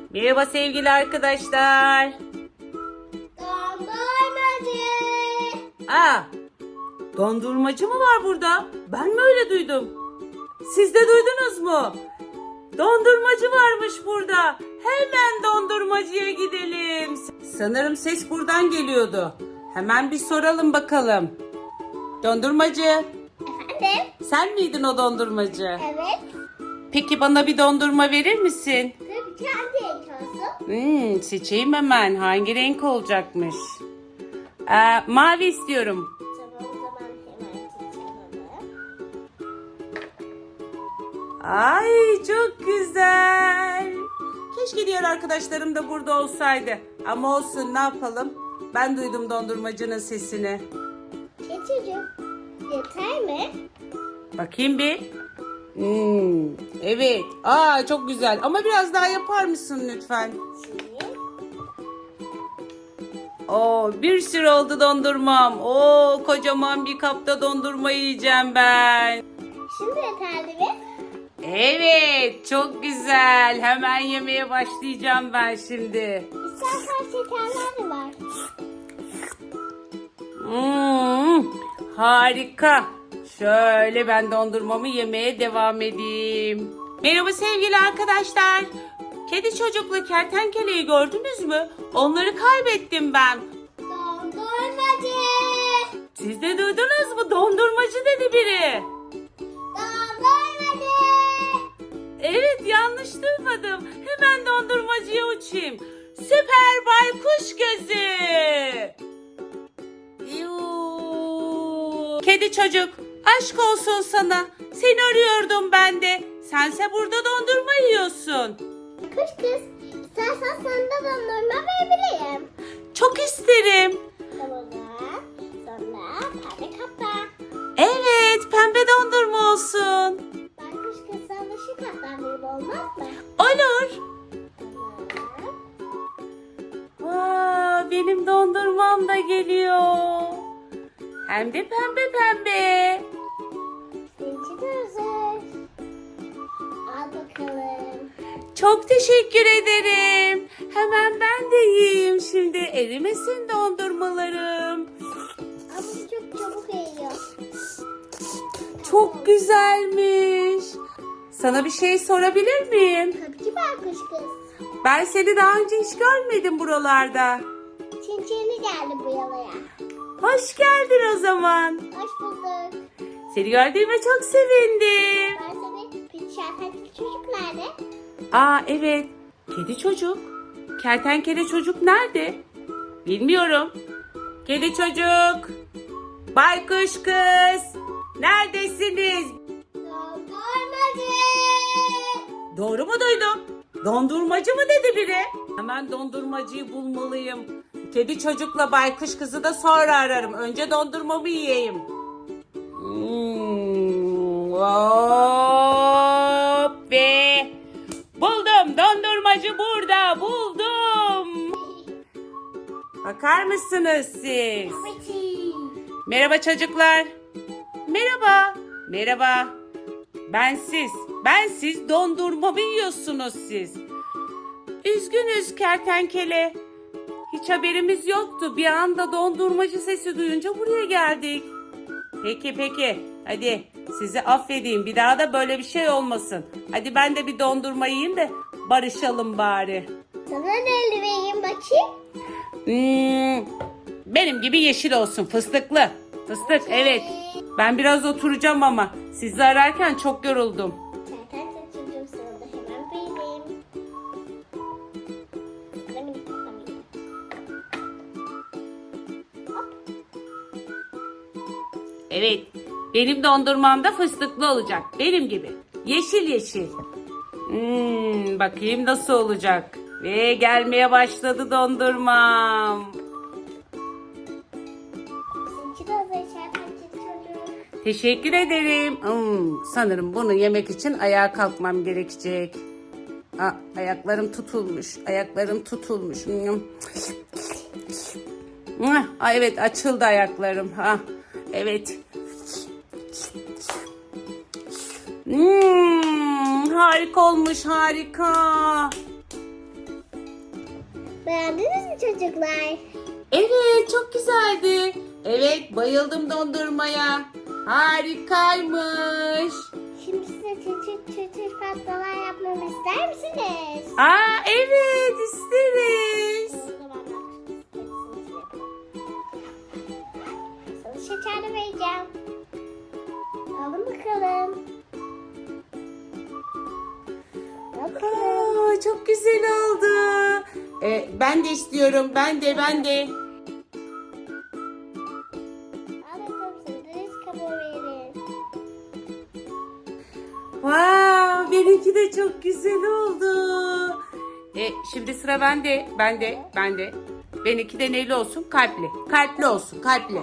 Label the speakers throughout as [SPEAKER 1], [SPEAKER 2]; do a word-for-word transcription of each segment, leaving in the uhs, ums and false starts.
[SPEAKER 1] Merhaba sevgili arkadaşlar.
[SPEAKER 2] Dondurmacı.
[SPEAKER 1] Aa, dondurmacı mı var burada? Ben mi öyle duydum? Siz de duydunuz mu? Dondurmacı varmış burada. Hemen dondurmacıya gidelim. Sanırım ses buradan geliyordu. Hemen bir soralım bakalım. Dondurmacı,
[SPEAKER 2] Efendim?
[SPEAKER 1] sen miydin o dondurmacı?
[SPEAKER 2] Evet.
[SPEAKER 1] Peki bana bir dondurma verir misin?
[SPEAKER 2] Tabii ki hangi renk olsun?
[SPEAKER 1] Hmm, seçeyim hemen. Hangi renk olacakmış? Ee, mavi istiyorum.
[SPEAKER 2] Tamam, o zaman hemen seçelim.
[SPEAKER 1] Ay çok güzel. Keşke diğer arkadaşlarım da burada olsaydı. Ama olsun, ne yapalım? Ben duydum dondurmacının sesini.
[SPEAKER 2] Geçici. Yeter mi?
[SPEAKER 1] Bakayım bir. Hmm, evet. Aa çok güzel. Ama biraz daha yapar mısın lütfen?
[SPEAKER 2] Şimdi.
[SPEAKER 1] Oo, bir sürü oldu dondurmam. Oo, kocaman bir kapta dondurma yiyeceğim ben.
[SPEAKER 2] Şimdi yeterli mi?
[SPEAKER 1] Evet, çok güzel. Hemen yemeye başlayacağım ben şimdi.
[SPEAKER 2] İstersen şekerler de var.
[SPEAKER 1] Hmm, harika. Şöyle ben dondurmamı yemeye devam edeyim. Merhaba sevgili arkadaşlar. Kedi çocukla kertenkeleyi gördünüz mü? Onları kaybettim ben.
[SPEAKER 2] Dondurmacı.
[SPEAKER 1] Siz de duydunuz mu? Dondurmacı dedi biri.
[SPEAKER 2] Dondurmacı.
[SPEAKER 1] Evet, yanlış duymadım. Hemen dondurmacıya uçayım. Süper baykuş gözü. Yuu. Kedi çocuk, aşk olsun sana. Seni arıyordum ben de. Sense burada dondurma yiyorsun.
[SPEAKER 2] Kuş kız. İstersen sana da dondurma verebilirim.
[SPEAKER 1] Çok isterim.
[SPEAKER 2] Tamam. Sonra pembe kapta.
[SPEAKER 1] Evet, pembe dondurma olsun.
[SPEAKER 2] Ben kuş kız sana şu kaptan vereyim, olmaz mı?
[SPEAKER 1] Olur.
[SPEAKER 2] Tamam.
[SPEAKER 1] Aa, benim dondurmam da geliyor. Hem de pembe pembe.
[SPEAKER 2] Seninki de hazır. Al bakalım.
[SPEAKER 1] Çok teşekkür ederim. Hemen ben de yiyeyim şimdi. Erimesin dondurmalarım.
[SPEAKER 2] Ama bu çok çabuk eriyor.
[SPEAKER 1] Çok güzelmiş. Sana bir şey sorabilir miyim?
[SPEAKER 2] Tabii ki ben kuş kız.
[SPEAKER 1] Ben seni daha önce hiç görmedim buralarda.
[SPEAKER 2] Çinçini geldi bu yalaya.
[SPEAKER 1] Hoş geldin o zaman.
[SPEAKER 2] Hoş bulduk.
[SPEAKER 1] Seni gördüğüme çok sevindim.
[SPEAKER 2] Ben seni bir şarkıcı çocuk nerede?
[SPEAKER 1] Aa evet. Kedi çocuk. Kertenkele çocuk nerede? Bilmiyorum. Kedi çocuk. Baykuş kız. Neredesiniz?
[SPEAKER 2] Dondurmacı.
[SPEAKER 1] Doğru mu duydum? Dondurmacı mı dedi biri? Hemen dondurmacıyı bulmalıyım. Kedi çocukla baykuş kızı da sonra ararım. Önce dondurmamı yiyeyim. Hmm, hop ve buldum. Dondurmacı burada. Buldum. Bakar mısınız siz?
[SPEAKER 2] Peki.
[SPEAKER 1] Merhaba çocuklar. Merhaba. Merhaba. Ben siz. Ben siz dondurmamı yiyorsunuz siz. Üzgünüz kertenkele. Hiç haberimiz yoktu. Bir anda dondurmacı sesi duyunca buraya geldik. Peki peki. Hadi sizi affedeyim. Bir daha da böyle bir şey olmasın. Hadi ben de bir dondurma yiyeyim de barışalım bari.
[SPEAKER 2] Sana ne elde vereyim bakayım?
[SPEAKER 1] Hmm, benim gibi yeşil olsun. Fıstıklı. Fıstık evet. Ben biraz oturacağım ama sizi ararken çok yoruldum.
[SPEAKER 2] Zaten çocuğum, sana da hemen vereyim. Sana minik kapamayayım.
[SPEAKER 1] Evet. Benim dondurmam da fıstıklı olacak. Benim gibi. Yeşil yeşil. Hmm, bakayım nasıl olacak. Ve gelmeye başladı dondurmam.
[SPEAKER 2] Seninki de hazır şarkıcı çocuğum.
[SPEAKER 1] Teşekkür ederim. Hmm, sanırım bunu yemek için ayağa kalkmam gerekecek. Aa, ayaklarım tutulmuş. Ayaklarım tutulmuş. Hmm. Aa, evet açıldı ayaklarım. Ha, evet. Hmm, harika olmuş, harika.
[SPEAKER 2] çocuklar.
[SPEAKER 1] Evet, çok güzeldi. Evet, bayıldım dondurmaya. Harikaymış.
[SPEAKER 2] Şimdi size çıtır çıtır pastalar yapmamı ister misiniz?
[SPEAKER 1] Aa, evet, isteriz.
[SPEAKER 2] O zaman ben hepsini yapayım. Sana şekerli vereceğim. Alın bakalım. Bakalım.
[SPEAKER 1] Aa, çok güzel oldu. Ee, ben de istiyorum. Ben de, ben de.
[SPEAKER 2] Al bakalım sandviç kabuğu verin.
[SPEAKER 1] Wow, benimki de çok güzel oldu. E, şimdi sıra bende, bende, bende. Benimki de neyli olsun? Kalpli. Kalpli olsun, kalpli.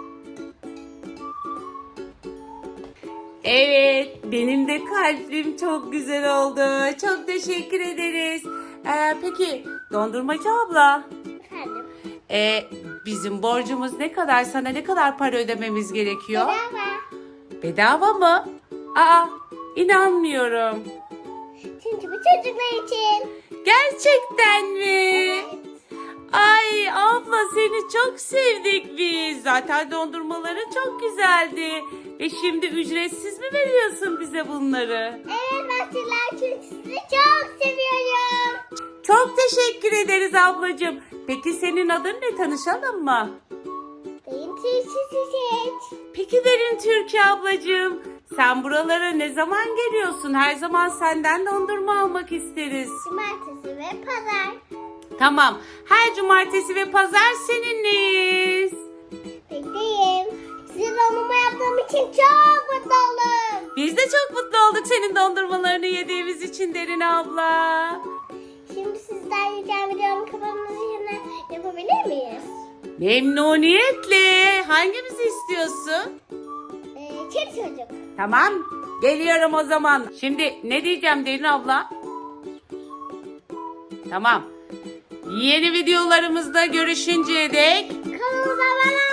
[SPEAKER 1] Evet, benim de kalplim çok güzel oldu. Çok teşekkür ederiz. Ee, peki, dondurmacı abla,
[SPEAKER 2] Efendim.
[SPEAKER 1] e, bizim borcumuz ne kadar? Sana ne kadar para ödememiz gerekiyor?
[SPEAKER 2] Bedava.
[SPEAKER 1] Bedava mı? Aa, inanmıyorum.
[SPEAKER 2] Çünkü bu çocuklar için.
[SPEAKER 1] Gerçekten mi?
[SPEAKER 2] Evet.
[SPEAKER 1] Ay abla, seni çok sevdik biz. Zaten dondurmaların çok güzeldi. Ve şimdi ücretsiz mi veriyorsun bize bunları?
[SPEAKER 2] Evet Bahçeliler, çünkü sizi çok seviyorum.
[SPEAKER 1] Çok teşekkür ederiz ablacığım. Peki senin adın ne, tanışalım mı?
[SPEAKER 2] Benim çiçek.
[SPEAKER 1] Peki Derin Türkiye ablacığım. Sen buralara ne zaman geliyorsun? Her zaman senden dondurma almak isteriz.
[SPEAKER 2] Cumartesi ve pazar.
[SPEAKER 1] Tamam. Her cumartesi ve pazar seninleyiz.
[SPEAKER 2] Bekleyeyim. Size dondurma yaptığım için çok mutlu oldum.
[SPEAKER 1] Biz de çok mutlu olduk senin dondurmalarını yediğimiz için Derin abla.
[SPEAKER 2] Şimdi sizden ricam videonun kafamızı yine yapabilir miyiz?
[SPEAKER 1] Memnuniyetle. Hangimizi istiyorsun?
[SPEAKER 2] Ee, çeri çocuk.
[SPEAKER 1] Tamam. Geliyorum o zaman. Şimdi ne diyeceğim Derin abla? Tamam. Yeni videolarımızda görüşünceye dek
[SPEAKER 2] Kanalımıza abone